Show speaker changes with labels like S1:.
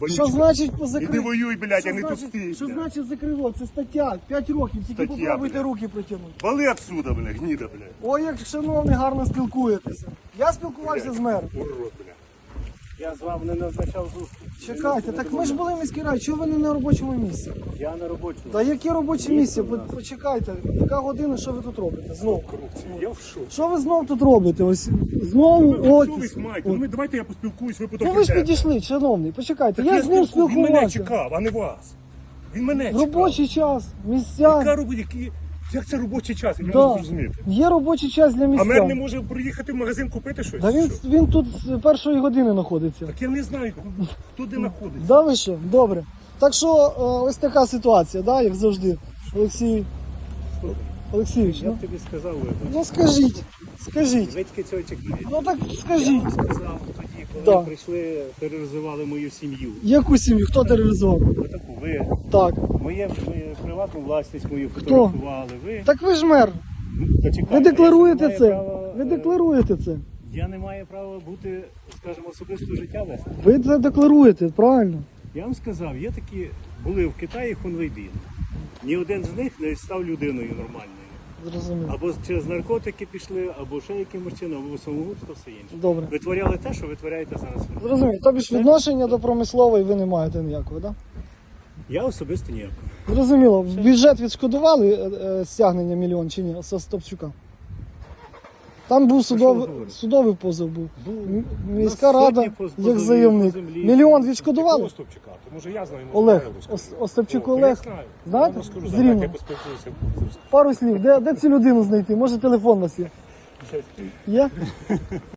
S1: Що значить по
S2: Іди воюй, блядь, а не тут стій.
S1: Що значить закрило? Це стаття, 5 років, тільки
S2: Стаття,
S1: попробуйте
S2: блядь.
S1: руки протягнути.
S2: Вали отсюда, блядь, гніда, блядь.
S1: Ой, як шановний, гарно спілкуєтеся. Я спілкувався з мером.
S2: Урод, блядь.
S3: Я з вами не назначав зустріч.
S1: Чекайте, так ми ж були в міській раді, чого ви не на робочому місці?
S3: Я на робочому.
S1: Та яке робоче місце? Почекайте, яка година, що ви тут робите? Знову.
S2: Я в шоці.
S1: Що ви знов тут робите? Ось знову офіс.
S2: Совість маєте. Ну, давайте я поспілкуюсь, ви потім
S1: Ну ви ж
S2: підете.
S1: підійшли, шановний, почекайте,
S2: Так
S1: я з ним
S2: Він мене
S1: спілкувався.
S2: чекав, а не вас. Він мене чекав.
S1: Робочий час,
S2: Яка
S1: місця.
S2: як це робочий час? Я не
S1: Да.
S2: можу зрозуміти.
S1: Є робочий час для
S2: А мер не
S1: місця.
S2: може приїхати в магазин купити щось?
S1: Та
S2: чи що?
S1: він тут з першої години знаходиться.
S2: Так я не знаю, хто де знаходиться.
S1: Да ви що? Добре. Так що ось така ситуація, да, як завжди. Олексійович,
S3: Я
S1: ну,
S3: б тобі сказав, вибач.
S1: ну скажіть, скажіть.
S3: Ви тільки цього чекаєте.
S1: Ну так
S3: Я
S1: скажіть.
S3: вам сказав тоді, коли
S1: Да.
S3: прийшли, тероризували мою сім'ю.
S1: Яку сім'ю? Хто тероризував?
S3: Отаку, ви
S1: Так.
S3: моє приватну власність мою фотографували. Ви
S1: Так ви ж мер.
S3: почекайте,
S1: Ви декларуєте
S3: я не
S1: це.
S3: маю права,
S1: Ви декларуєте це.
S3: Я не маю права бути, скажімо, особисто життя вести.
S1: Ви це декларуєте, правильно.
S3: Я вам сказав, є такі, були в Китаї хунвейбін. Ні один з них не став людиною нормальною.
S1: Зрозуміло.
S3: Або через наркотики пішли, або ще якимось чином, або самогубство, все інше.
S1: Добре.
S3: Витворяли те, що витворяєте зараз. ви.
S1: Зрозуміло. Тобі ж відношення до промислової ви не маєте ніякого, так?
S3: Я особисто ніякого.
S1: Да? Зрозуміло. В бюджет відшкодували стягнення мільйон чи ні? З Стопчука? Там був судовий позов був. Міська
S3: На
S1: рада,
S3: сотні позовів
S1: як заявник.
S3: по землі.
S1: Мільйон відшкодували?
S2: Остапчука, то може я знаю.
S1: Олег. Остапчук
S2: Я
S1: Олег.
S2: знаю.
S1: Знаєте?
S2: Я вам скажу,
S1: З
S2: давайте
S1: Рівного.
S2: я поспілкуюся.
S1: Пару слів. Де цю людину знайти? Може телефон у нас є? Є?